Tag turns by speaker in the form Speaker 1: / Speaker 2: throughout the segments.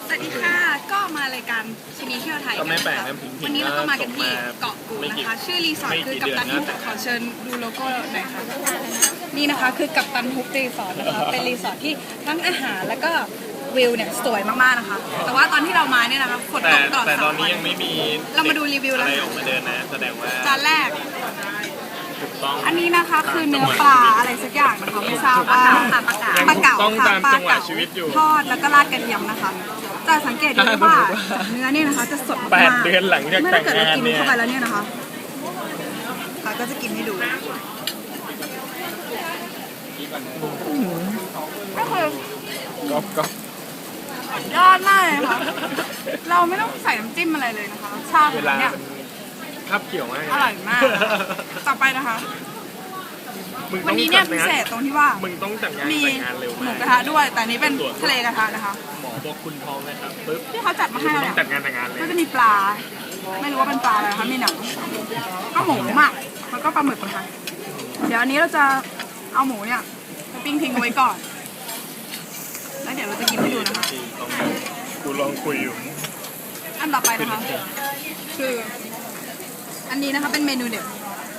Speaker 1: สวัสดีค่ะก็มารายการชินีเที่ยวไทย
Speaker 2: ก็ไม่แปลก
Speaker 1: นะ
Speaker 2: นะผิงๆ
Speaker 1: วันนี้เราก็มากันที่
Speaker 2: ก็
Speaker 1: เกาะกูด
Speaker 2: ไม่
Speaker 1: นะ
Speaker 2: กี่
Speaker 1: คะชื่อรีสอร์ท
Speaker 2: ไม่
Speaker 1: คือ
Speaker 2: กี่
Speaker 1: กัปตัน
Speaker 2: เดื
Speaker 1: ฮุ
Speaker 2: อน
Speaker 1: บ
Speaker 2: นะ
Speaker 1: ขอเชิญดูโลโก้หน่อยค่ะนี่นะคะคือกัปตันฮุบรีสอร์ทนะคะเป็นรีสอร์ทที่ทั้งอาหารแล้วก็วิวเนี่ยสวยมากๆนะคะแต่ว่าตอนที่เรามาเนี่ยนะคะฝนตกตลอด
Speaker 2: แต่ต
Speaker 1: 3
Speaker 2: อนนี้
Speaker 1: วัน
Speaker 2: ยังไม่มี
Speaker 1: เรามาดูรีวิวแล้ว
Speaker 2: อะไรออกมาเดินนะแสดงว่า
Speaker 1: จานแรก
Speaker 2: ถูกต้อง
Speaker 1: อันนี้นะคะคือเนื้อปลาอะไรสักอย่างนะคะไม่ทราบว่าปลาเก๋า
Speaker 2: ต้อง
Speaker 1: ค่ะ
Speaker 2: ตาม
Speaker 1: ปลา
Speaker 2: จังหวะ
Speaker 1: เก๋า
Speaker 2: ชีวิตอยู่
Speaker 1: ทอดแล้วก็ราดกระเทียมนะคะจะสังเกตดูได้ว่าเนื้อเนี่ยนะคะจะสดมาก
Speaker 2: 8 เดือนหลังจาก
Speaker 1: เมื่อ
Speaker 2: แต่
Speaker 1: ถ้าง เกิดเรา
Speaker 2: งาน
Speaker 1: กิน
Speaker 2: เนี่ย
Speaker 1: เข้าไปแล้วเนี่ยนะคะเราก็จะกินให้ดูก็คือก
Speaker 2: อบ
Speaker 1: ยอดมากเลยค่ะเราไม่ต้องใส่น้ำจิ้มอะไรเลยนะคะรสชาติ
Speaker 2: เวลา
Speaker 1: เนี่ย
Speaker 2: มันคับเกี่ยวมาก
Speaker 1: อร่อยมากต่อไปนะคะ
Speaker 2: มึง
Speaker 1: วั
Speaker 2: ต้
Speaker 1: น
Speaker 2: อง
Speaker 1: นี้เนี่ย
Speaker 2: จัด
Speaker 1: พิ
Speaker 2: งาน
Speaker 1: เศษตรงที่ว่า
Speaker 2: มึงต้องจัดงาน
Speaker 1: มี
Speaker 2: แต่งงานเร็ว
Speaker 1: หมู
Speaker 2: มาก
Speaker 1: กระทะด้วย แต่อันนี้เป็นทะเลกระทะนะคะ
Speaker 2: หมอบอกคุณท้องนะครับปึ๊บ
Speaker 1: ที่เขาจัดมาให้
Speaker 2: มึง
Speaker 1: เรา
Speaker 2: ต้อ
Speaker 1: เนี่ย
Speaker 2: งจัดงานแต่งงานเลย
Speaker 1: ก็จะมีปลา ไม่รู้ว่าเป็นปลาอะไรนะคะมีหนังก็หมูหมักแล้วก็ปลาหมึกนะคะเดี๋ยวอันนี้เราจะเอาหมูเนี่ยไปปิ้งทิ้งเอาไว้ก่อนแล้วเดี๋ยวเราจะกินให้ดูนะคะ
Speaker 2: กูลองคุยอยู่
Speaker 1: อันต่อไปนะคะคืออันนี้นะคะเป็นเมนูเด็ด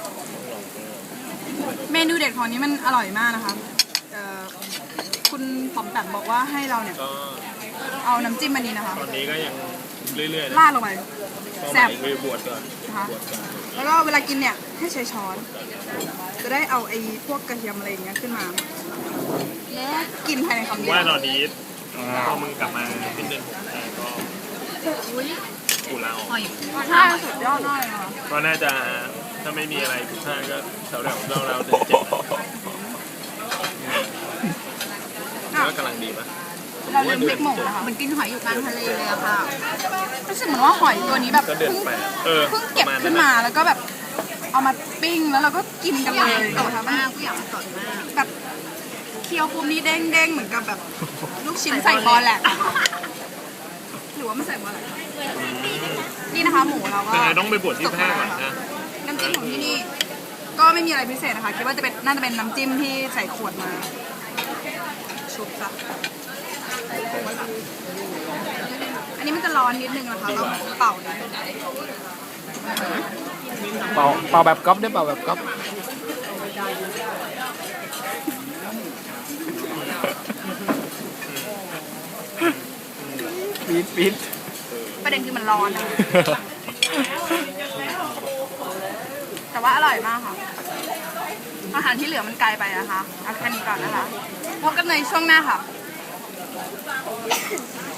Speaker 1: เมนูเด็ดของนี้มันอร่อยมากนะคะคุณป๋อมแปมบอกว่าให้เราเนี่ย
Speaker 2: ก็
Speaker 1: เอาน้ำจิ้มอันนี้นะคะ
Speaker 2: ตอนนี้ก็ยังเรื่อยๆนะ
Speaker 1: ราดลงไป
Speaker 2: เป้าห
Speaker 1: แซ่
Speaker 2: มา
Speaker 1: บ
Speaker 2: ยคือบวชก่อน
Speaker 1: นะคะ
Speaker 2: บวชก่อน
Speaker 1: แล้วก็เวลากินเนี่ยให้ใช้ช้อน จะได้เอาไอ้พวกกระเทียมอะไรอย่างเงี้ยขึ้นมาแล้วกินภายในคำเดียว
Speaker 2: ว่าตอนนี้พอมึงกลับมาสิ้นเดือนก็กูลาออก
Speaker 1: ใช่สุดยอดมากเลยค่ะ
Speaker 2: ก็น่าจะถ้าไม่มีอะไรผิดพลาดก็แถวๆเราถึง7ก็กำลังดีปะ
Speaker 1: เราลืมพริกหมูนะคะ
Speaker 3: มันกินหอยอยู่กลางทะเลเลยอะค่ะ
Speaker 1: รู้สึกเหมือนว่าหอยตัวนี้แบบ
Speaker 2: ก็เดือน
Speaker 1: เพิ่ง
Speaker 2: 8
Speaker 1: เพิ่งเก็บขึ้นมาแล้วก็แบบเอามาปิ้งแล้วเราก็กินกันเลย
Speaker 3: สด
Speaker 1: นะคะ
Speaker 3: มากผู้อยากสดมาก
Speaker 1: แบบเคี้ยวปุ๊บนี่เด้งๆเหมือนกับแบบลูกชิ้นใส่บอลแหละหรือว่าไม่ใส่บอลแหละนี่นะคะหมูเราก็
Speaker 2: แต่ต้องไปบวชที่แพร่ก่อนนะ
Speaker 1: น้ำจิ้มของที่นี่ก็ไม่มีอะไรพิเศษนะคะคิดว่าจะเป็นน่าจะเป็นน้ำจิ้มที่ใส่ขวดมาชุบซะอันนี้มันจะร้อนนิดนึงนะคะเราเป่าหน่อย
Speaker 2: เป่าแบบก๊อฟได้เป่าแบบก๊อฟ ปี๊ด
Speaker 1: ประเด็นคือมันร้อนนะแต่ว่าอร่อยมากค่ะอาหารที่เหลือมันไกลไปนะคะเอาแค่นี้ก่อนนะคะพบกันในช่วงหน้าค่ะ